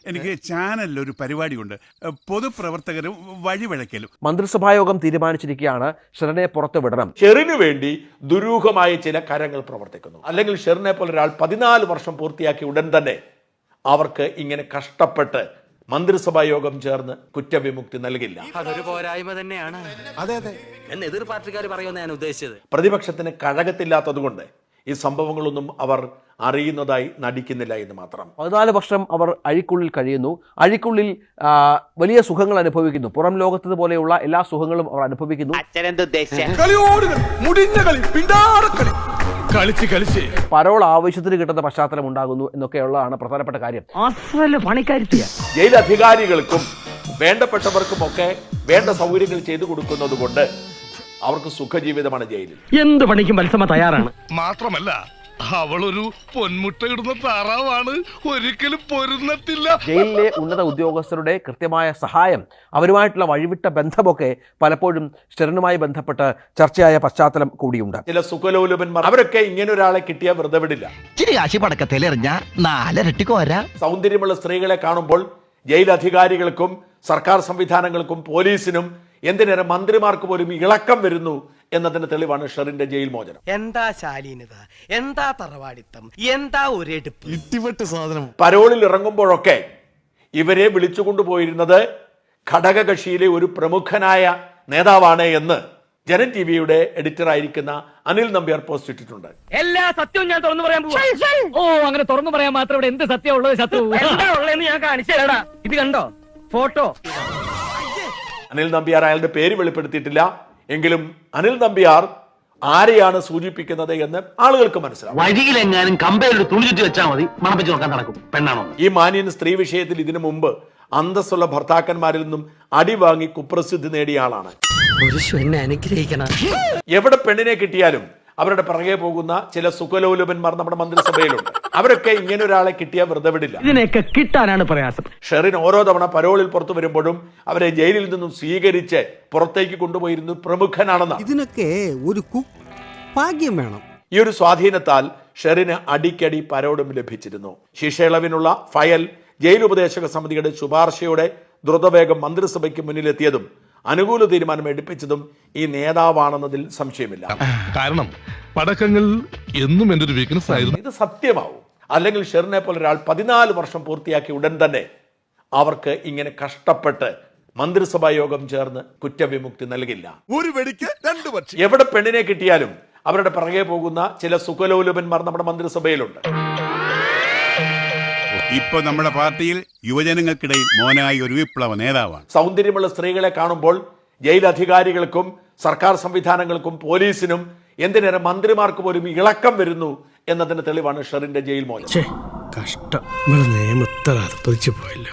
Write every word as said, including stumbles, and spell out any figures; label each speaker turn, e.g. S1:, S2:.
S1: എനിക്ക് ചാനലിൽ ഒരു പരിപാടിയുണ്ട്, പൊതുപ്രവർത്തകരും വഴിവഴക്കലും.
S2: മന്ത്രിസഭായോഗം തീരുമാനിച്ചിരിക്കുകയാണ് ഷെറിനെ പുറത്തു വിടണം.
S3: ഷെറിന് വേണ്ടി ദുരൂഹമായ ചില കാര്യങ്ങൾ പ്രവർത്തിക്കുന്നു. അല്ലെങ്കിൽ ഷെറിനെ പോലെ ഒരാൾ പതിനാല് വർഷം പൂർത്തിയാക്കി ഉടൻ തന്നെ അവർക്ക് ഇങ്ങനെ കഷ്ടപ്പെട്ട് മന്ത്രിസഭാ യോഗം ചേർന്ന് കുറ്റവിമുക്തി നൽകില്ല.
S4: അതൊരു പോരായ്മ തന്നെയാണ്. അതെ അതെ എന്ന് എതിർ പാർട്ടിക്കാർ പറയുമെന്ന് ഞാൻ ഉദ്ദേശിച്ചത്.
S3: പ്രതിപക്ഷത്തിന് കഴകത്തില്ലാത്തതുകൊണ്ട് ഈ സംഭവങ്ങളൊന്നും അവർ അറിയുന്നതായി നടിക്കുന്നില്ല എന്ന് മാത്രം.
S2: പതിനാല് വർഷം അവർ അഴിക്കുള്ളിൽ കഴിയുന്നു. അഴിക്കുള്ളിൽ വലിയ സുഖങ്ങൾ അനുഭവിക്കുന്നു. പുറം ലോകത്ത് പോലെയുള്ള എല്ലാ സുഖങ്ങളും അവർ അനുഭവിക്കുന്നു. പരോൾ ആവശ്യത്തിന് കിട്ടുന്ന പശ്ചാത്തലം ഉണ്ടാകുന്നു എന്നൊക്കെയുള്ളതാണ് പ്രധാനപ്പെട്ട കാര്യം.
S3: ജയിൽ അധികാരികൾക്കും വേണ്ടപ്പെട്ടവർക്കും ഒക്കെ വേണ്ട സൗകര്യങ്ങൾ ചെയ്തു കൊടുക്കുന്നത് കൊണ്ട് അവർക്ക് സുഖജീവിതമാണ് ജയിലിൽ.
S5: എന്ത് പണിക്കും മത്സമ തയ്യാറാണ്.
S6: മാത്രമല്ല അവളൊരു പൊന്മുട്ടയിടുന്ന താറാവാണ്, ഒരിക്കലും പൊരുന്നത്തില്ല.
S2: ജയിലിലെ ഉന്നത ഉദ്യോഗസ്ഥരുടെ കൃത്യമായ സഹായം, അവരുമായിട്ടുള്ള വഴിവിട്ട ബന്ധമൊക്കെ പലപ്പോഴും ഷെറിനുമായി ബന്ധപ്പെട്ട് ചർച്ചയായ പശ്ചാത്തലം കൂടിയുണ്ട്.
S3: ചില സുഖലോലുപന്മാർ അവരൊക്കെ ഇങ്ങനെ ഒരാളെ കിട്ടിയാൽ വെറുതെ വിടില്ല. സൗന്ദര്യമുള്ള സ്ത്രീകളെ കാണുമ്പോൾ ജയിൽ അധികാരികൾക്കും സർക്കാർ സംവിധാനങ്ങൾക്കും പോലീസിനും എന്തിനേറെ മന്ത്രിമാർക്ക് പോലും ഇളക്കം വരുന്നു എന്നതിന്റെ തെളിവാണ് ഷെറിന്റെ ജയിൽ മോചനം.
S4: എന്താ ശാലീനത, എന്താ തറവാടിത്തം, എന്താ ഒരെടുപ്പ്,
S6: ഇട്ടിവെട്ട് സാധനം.
S3: പരോളിൽ ഇറങ്ങുമ്പോഴൊക്കെ ഇവരെ വിളിച്ചുകൊണ്ടുപോയിരുന്നത് ഘടകകക്ഷിയിലെ ഒരു പ്രമുഖനായ നേതാവാണ് എന്ന് ജനൻ ടി വിയുടെ എഡിറ്റർ ആയിരിക്കുന്ന അനിൽ നമ്പ്യാർ പോസ്റ്റ് ഇട്ടിട്ടുണ്ട്.
S5: എല്ലാ സത്യവും ഞാൻ തുറന്നു പറയാൻ പോവാ. ഓ അങ്ങനെ തുറന്നു പറയാൻ മാത്രം ഇവിടെ എന്ത് സത്യം ഉള്ളത്? ശത്രു എന്താ ഉള്ളതെന്ന് ഞാൻ കാണിച്ചു തരാടാ. ഇത് കണ്ടോ ഫോട്ടോ?
S3: അനിൽ നമ്പ്യാർ അയാളുടെ പേര് വെളിപ്പെടുത്തിയിട്ടില്ല. എങ്കിലും അനിൽ നമ്പ്യാർ ആരെയാണ് സൂചിപ്പിക്കുന്നത് എന്ന് ആളുകൾക്ക് മനസ്സിലാവും.
S5: വഴിയിലെങ്ങാനും കമ്പയിൽ തുണി ചുറ്റി വെച്ചാൽ മതി, മണപ്പിച്ച് നോക്കാൻ നടക്കും. പെണ്ണാണോ?
S3: ഈ മാന്യൻ സ്ത്രീ വിഷയത്തിൽ ഇതിനു മുമ്പ് അന്തസ്സുള്ള ഭർത്താക്കന്മാരിൽ നിന്നും അടി വാങ്ങി കുപ്രസിദ്ധി നേടിയ ആളാണ്.
S4: അനുഗ്രഹിക്കണം.
S3: എവിടെ പെണ്ണിനെ കിട്ടിയാലും അവരുടെ പിറകെ പോകുന്ന ചില സുഖലോലുപന്മാർ നമ്മുടെ മന്ത്രിസഭയിലുണ്ട്. അവരൊക്കെ ഇങ്ങനെ ഒരാളെ കിട്ടിയാൽ വെറുതെ വിടില്ല.
S5: ഇതിനൊക്കെ കിട്ടാനാണ് പ്രയാസം.
S3: ഷെറിൻ ഓരോ തവണ പരോളിൽ പുറത്തു വരുമ്പോഴും അവരെ ജയിലിൽ നിന്നും സ്വീകരിച്ച് പുറത്തേക്ക് കൊണ്ടുപോയിരുന്നു പ്രമുഖനാണെന്ന്.
S7: ഇതിനൊക്കെ ഒരു ഭാഗ്യം വേണം.
S3: ഈ ഒരു സ്വാധീനത്താൽ ഷെറിന് അടിക്കടി പരോളും ലഭിച്ചിരുന്നു. ശിക്ഷയിളവിനുള്ള ഫയൽ ജയിൽ ഉപദേശക സമിതിയുടെ ശുപാർശയോടെ ദ്രുതവേഗം മന്ത്രിസഭയ്ക്ക് മുന്നിലെത്തിയതും അനുകൂല തീരുമാനം എടുപ്പിച്ചതും ഈ നേതാവാണെന്നതിൽ സംശയമില്ല.
S6: കാരണം പടക്കങ്ങൾ എന്നും എൻ്റെ ഒരു വീക്ക്നെസ് ആയിരുന്നു.
S3: ഇത് സത്യമാവും. അല്ലെങ്കിൽ ഷെറിനെ പോലെ ഒരാൾ പതിനാല് വർഷം പൂർത്തിയാക്കി ഉടൻ തന്നെ അവർക്ക് ഇങ്ങനെ കഷ്ടപ്പെട്ട് മന്ത്രിസഭാ യോഗം ചേർന്ന് കുറ്റവിമുക്തി നൽകില്ല.
S1: ഒരു വെടിക്ക് രണ്ട് പക്ഷി.
S3: എവിടെ പെണ്ണിനെ കിട്ടിയാലും അവരുടെ പിറകെ പോകുന്ന ചില സുഖലോലുപന്മാർ നമ്മുടെ മന്ത്രിസഭയിലുണ്ട്.
S1: ഇപ്പൊ നമ്മുടെ പാർട്ടിയിൽ യുവജനങ്ങൾക്കിടയിൽ മോനായി ഒരു വിപ്ലവ നേതാവാണ്.
S3: സൗന്ദര്യമുള്ള സ്ത്രീകളെ കാണുമ്പോൾ ജയിൽ അധികാരികൾക്കും സർക്കാർ സംവിധാനങ്ങൾക്കും പോലീസിനും എന്തിനേറെ മന്ത്രിമാർക്ക് പോലും ഇളക്കം വരുന്നു എന്നതിന്റെ തെളിവാണ് ഷെറിന്റെ ജയിൽ മോചനം.
S7: കഷ്ടം, നിയമത്തിൽ